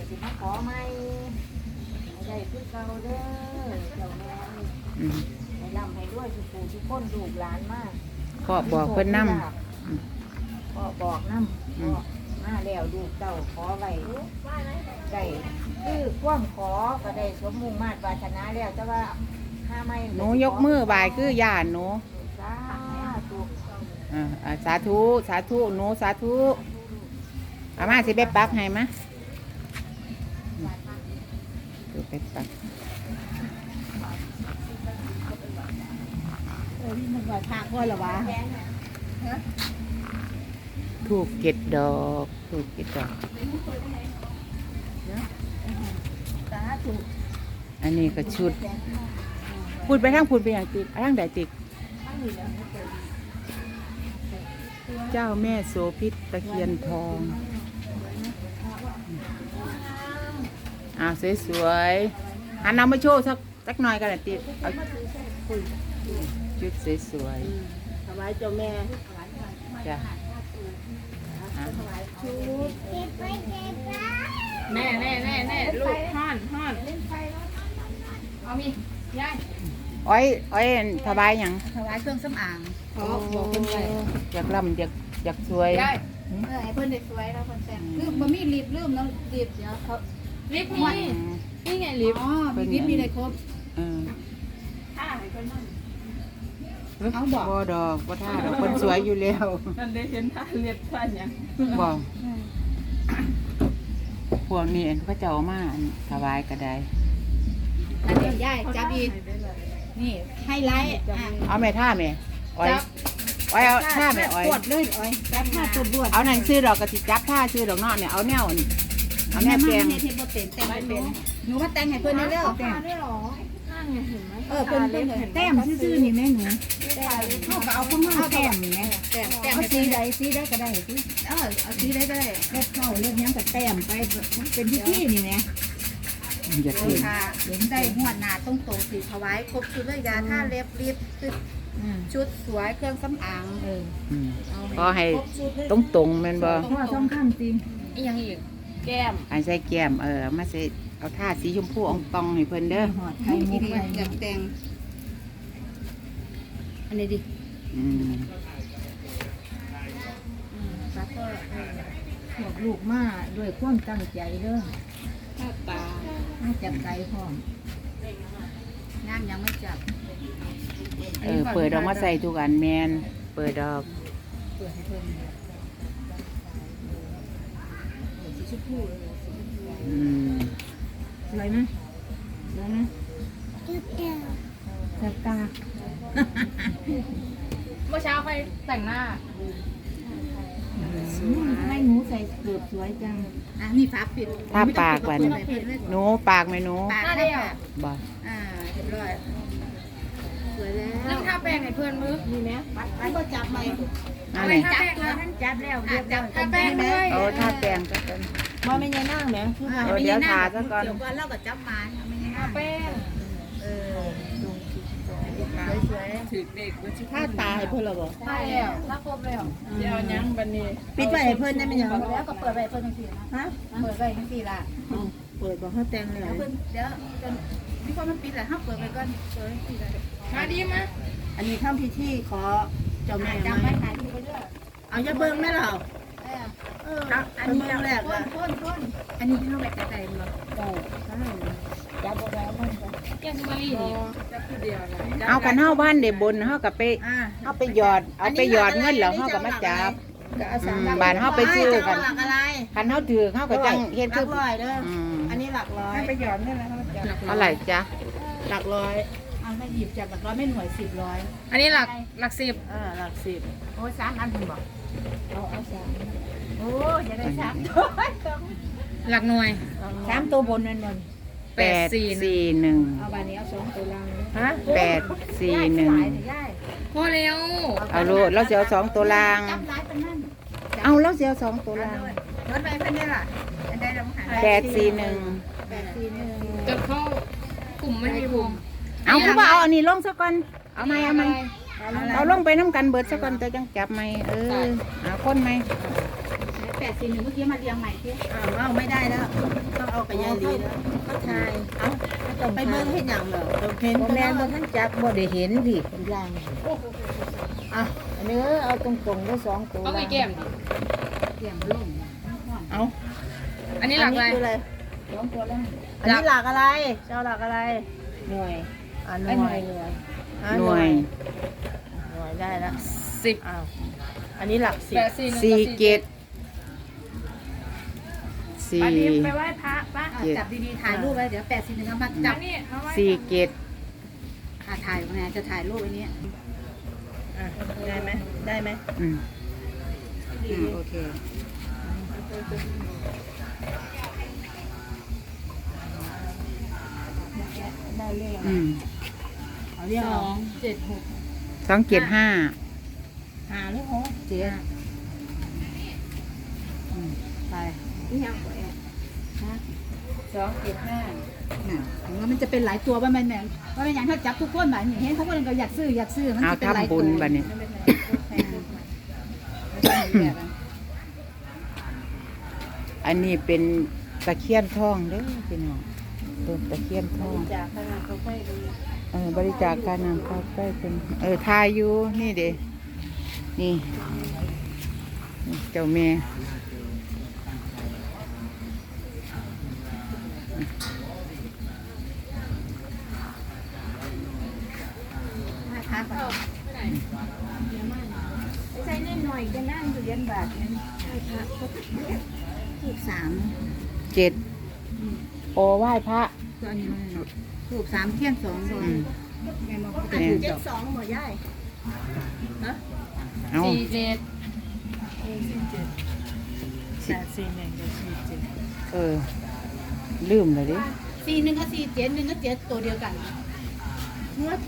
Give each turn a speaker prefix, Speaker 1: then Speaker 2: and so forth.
Speaker 1: สิมาขอไม่ได้พึ่งเก่าเด้อเจ้าแม่ให้ร่ำให้ด้วยทุกผู้ทุกคนลูกหลานมาก
Speaker 2: พ่อบอกเพิ่นนำ
Speaker 1: พ่อบอกนำพ่อมาแล้วลูกเจ้าขอไว้ได้คือความขอก็ได้สมมุ่งมาตรปรารถนาแล้วแต่ว่าห้าไม่
Speaker 2: หนูยกมือบายคือย่านหนูสาธุสาธุหนูสาธุอามาสิไปปักให้มะดูไปปัก
Speaker 1: มันว่าทางพ่อหรอวะ
Speaker 2: ถูก7 ดอกถูก7 ดอกอันนี้ก็ชุดพูดไปทางพูดไปอย่างติดทางใดติดเจ้าแม่โสภิตตะเคียนทองสวยๆหันนำมาโชว์สักหน่อยกันติดเอาชุดสวย
Speaker 1: ๆถวายเจ้าแม่
Speaker 2: จ้ะ
Speaker 3: แน่ลูกห่อนเอามียาย
Speaker 2: อ้อยถวายหยัง
Speaker 1: ถวายเครื่องสำอาง
Speaker 3: บอกเพิ่นไว้
Speaker 2: อยากล่ำอยากสวย
Speaker 3: ยาย
Speaker 1: ให้เพิ่นได้สวยแล้วเพิ่นแต่งคือบ่มีรีบลืมแล้วรีบเดี๋ยวเขา
Speaker 3: ลิฟต์นี่ไงลิฟต์
Speaker 1: มีลิฟต์มีได้ครบ
Speaker 3: ท่าให้เพิ่นนั่น
Speaker 2: เอาบ่ดอกบ่ท่าดอกคนสวยอยู่แล้ว
Speaker 3: นั่นได้เห็นท่าเลียดท่าหยัง
Speaker 2: บ่พวกนี้เขาเจ้ามาถวายก็ได้
Speaker 1: อันนี้ย่ายจับอีกนี่ไฮไลท์
Speaker 2: เอาแม่ท่าแม่อ้อยเอาท่าแม่อ้อย
Speaker 1: ปวดเลยอ้อยจับท่าตัวบวด
Speaker 2: เอาหนังซื้อดอกกระติจับท่าซื้อดอกนอกเนี่ยเอาแนวเอาแนวแกง
Speaker 1: เนี่ยที่บ่เป็นแต่งไม่เป็นหนูมาแต่งให้เพิ่นเร็ว
Speaker 3: แต่งได้หรอนั่นไงเห็นไหม
Speaker 1: เพิ่นแต้มซื่อๆนี่แม่หนูเขาก็เอาข้างนอกแต้มนี่แม่เอาสีใดก็ได้สิเอาสีใดก็ได้เล็บเข้าเล็บยังก็แต้มไปเป็นพิธีนี่แม่
Speaker 2: อย่าเถียง
Speaker 1: เห็นได้หัวหน้าตรงๆสิถวายครบชุดเลยยาท่าเล็บรีบชุดสวยเครื่องสำอาง
Speaker 2: ก็ให้ตรงแม่นบ่
Speaker 1: เพราะว่าสำคัญจริง
Speaker 3: อีหยังอีกแก้ม
Speaker 2: อันใส่แก้มมาใส่เอาท่าสีชมพูอ่องตองให้เพิ่นเด้อ
Speaker 1: ไทยมุกอยากแต่งอันนี้ดิแล้วก็บอกลูกมาด้วยความตั้งใจเด้อ
Speaker 3: ตา
Speaker 1: ไม่จับใจพร้อมงานยังไม่จับ
Speaker 2: เปิดออกมาใส่ทุกอันแมนเปิดดอก
Speaker 1: เปิดให้เพิ่มสีชมพูสวยไหมสวยไหมแสบตา
Speaker 3: เมื่อเช้าใครแต่งหน้า
Speaker 1: ไม่หนูใส่เกือบสวยจังนี่ฟ้าปิด
Speaker 2: ถ้าปากวันหนูปากไหมหนู
Speaker 1: ปากได้
Speaker 2: บ่
Speaker 1: เรียบร้อยสวยแล้ว
Speaker 3: นั่งท่าแป้งให้เพื่อนมือ
Speaker 1: มีไหมไม่ก็จับไหม
Speaker 2: อะไร
Speaker 1: จับแล้วท่านจับแล้ว
Speaker 3: จับท่าแป้งเลย
Speaker 2: ท่าแป้งก็เป็น
Speaker 1: มอไม่ยัยนั่งแหม
Speaker 2: เดี๋ยวทาซะก่อน
Speaker 1: เดี๋ยวก่อนเราก็จับมาไม่ยัยนั่ง
Speaker 3: แป้ง
Speaker 1: สวย
Speaker 3: ๆถือเด็ก
Speaker 1: ถ้าตาให้เพื่อนเราบอก
Speaker 3: ใช่แล้วถ้าครบแล้วเดี๋ยวยังบันนี้
Speaker 1: ปิดไว้ให้เพื่อนได้ไหมยัง
Speaker 3: แล้วก็เปิดไว้เพื่อนทั้งสี่ฮะเปิดไว้ทั้งสี่ละ
Speaker 1: เปิดบอกเขาแต่งเลย
Speaker 3: เพื่อนเดี๋ยวมีคนมันปิดแหละถ้าเปิดไปก่อนเปิดทั้งสี่เลยมาดีมั้ย
Speaker 1: อันนี้ข้ามพิธีขอเจ้าแม่
Speaker 3: จำไว้ถ่ายรูปไปด้วย
Speaker 1: เอาจะเบิ้งไหมเราอันนี้แรก
Speaker 3: เลยอันนี้ที่เราแบบใจมัน
Speaker 1: จับเอาไว้มัน
Speaker 3: แกงมะลินี่จับผู้เดียว
Speaker 2: เอากันเฮาบ้านเด็บนเฮากับไปเอาไปหยอดเงินแล้วเฮากับมาจับบ้านเฮาไปซื้อกันคันเฮาถือเฮาก็จังเฮ็ดคือ
Speaker 1: อันนี้หลักร้อย
Speaker 3: ไปหยอดเงินแล้ว
Speaker 2: เท่าไหร่จ๊ะ
Speaker 1: หลักร้อยเอาไม่หยิบจากหลักร้อยไม่หน่วย10
Speaker 3: อันนี้หลัก10
Speaker 1: หลัก10โอ้3 อันคุณบอกเอา3โอ้จะได้3ตัว
Speaker 3: หลักหน่วย
Speaker 1: 3ตัวบนนั่นบน
Speaker 2: 841
Speaker 1: เอาใบนี้เอา2ตัวล่าง
Speaker 2: ฮะ841
Speaker 3: พอแล้ว
Speaker 2: เอาโลดเราจะเอา2ตัวล่างเอาเราจะเอา2ตัวล่าง
Speaker 1: รถไปเพิ่นนี่ล่ะอันใดเราห
Speaker 2: 841
Speaker 3: จะเข้ากลุ่มไม่มีวง
Speaker 2: เอาคือว่าเอาอันนี้ลงซะก่อนเอาไหมเอาลงไปน้ำกันเบิดซะก่อนแต่จังจับไหมเอาคนไหม
Speaker 1: 841เมื่อกี้มาเรียงใหม่สิ
Speaker 4: เอาไม่ได้แล้วต้องเอาไปยายลีแล้วก็ทายเอาไปเบิ่งเฮ็ดหยังเหรอเห็น
Speaker 2: บ่แม่นบ่ทันจับบ่ได้เห็นดิเป็นล่างอ่ะอันนี้เอาตรงๆได้2ตัว
Speaker 3: เอาไปแก้มดิ
Speaker 1: เรียงลง
Speaker 4: เอา
Speaker 3: อันนี้หลักอะไร
Speaker 4: คืออะไร
Speaker 1: 2ตัวแล้ว
Speaker 4: อันนี้หลักอะไรเจ้าหลักอะไร
Speaker 2: หน่วย
Speaker 4: หน่วย
Speaker 2: หน่วย
Speaker 4: หน่วยได้แล้ว
Speaker 3: 10
Speaker 4: อ้าวอันนี้หลักสิบ
Speaker 2: 4 7
Speaker 3: อันนี้ไป
Speaker 2: 4
Speaker 3: ไหว้พระป่ะ
Speaker 1: จับดีๆถ่ายรูปไว้เดี๋ยว841เอามาจั
Speaker 3: อั
Speaker 1: บ
Speaker 3: นนี้มาไหว้
Speaker 2: 4 7
Speaker 1: ถ่ายไงจะถ่ายรูปไอ้นี้
Speaker 4: ได้ไหมได้ไหม
Speaker 1: โอเคได้เลข เอาเรียกเอา
Speaker 3: 276
Speaker 2: 275
Speaker 4: หาหรือหก
Speaker 1: เจ๊ไป
Speaker 3: นี่ยังบ่แอบ
Speaker 1: ถึงว่ามันจะเป็นหลายตัวว่ามันแม่ว่าเป็นอย่างถ้าจับทุกคนแบบนี้เห็นเขาคนก็อยากซื้อมัน
Speaker 2: เอา
Speaker 1: จะเป็นหลาย
Speaker 2: ทำ
Speaker 1: ตั
Speaker 2: บุ
Speaker 1: ว
Speaker 2: ญบัดนี้ อันนี้เป็นตะเคียนทองเด้อพี่น้องต้นตะเคียนทอง
Speaker 4: จากขนาดเขาไปดู
Speaker 2: บริจาคการนำเข้าใกล้เป็นทายอยู่นี่เด้นี่เจ้าแม่
Speaker 1: พักใส่เล่นหน่อยจะนั่งอยู่เรียนบาทนั้นถูก
Speaker 2: 7โอไหว้พระ
Speaker 1: ตัวนี้ถูก3เที่ยง2ตัวแม่บอก
Speaker 2: เนี่ย
Speaker 4: 72หมอย่าย
Speaker 2: เอา
Speaker 3: 47
Speaker 2: ลืมเลยดิ
Speaker 1: 41กับ47 1กับ7ตัวเดียวกัน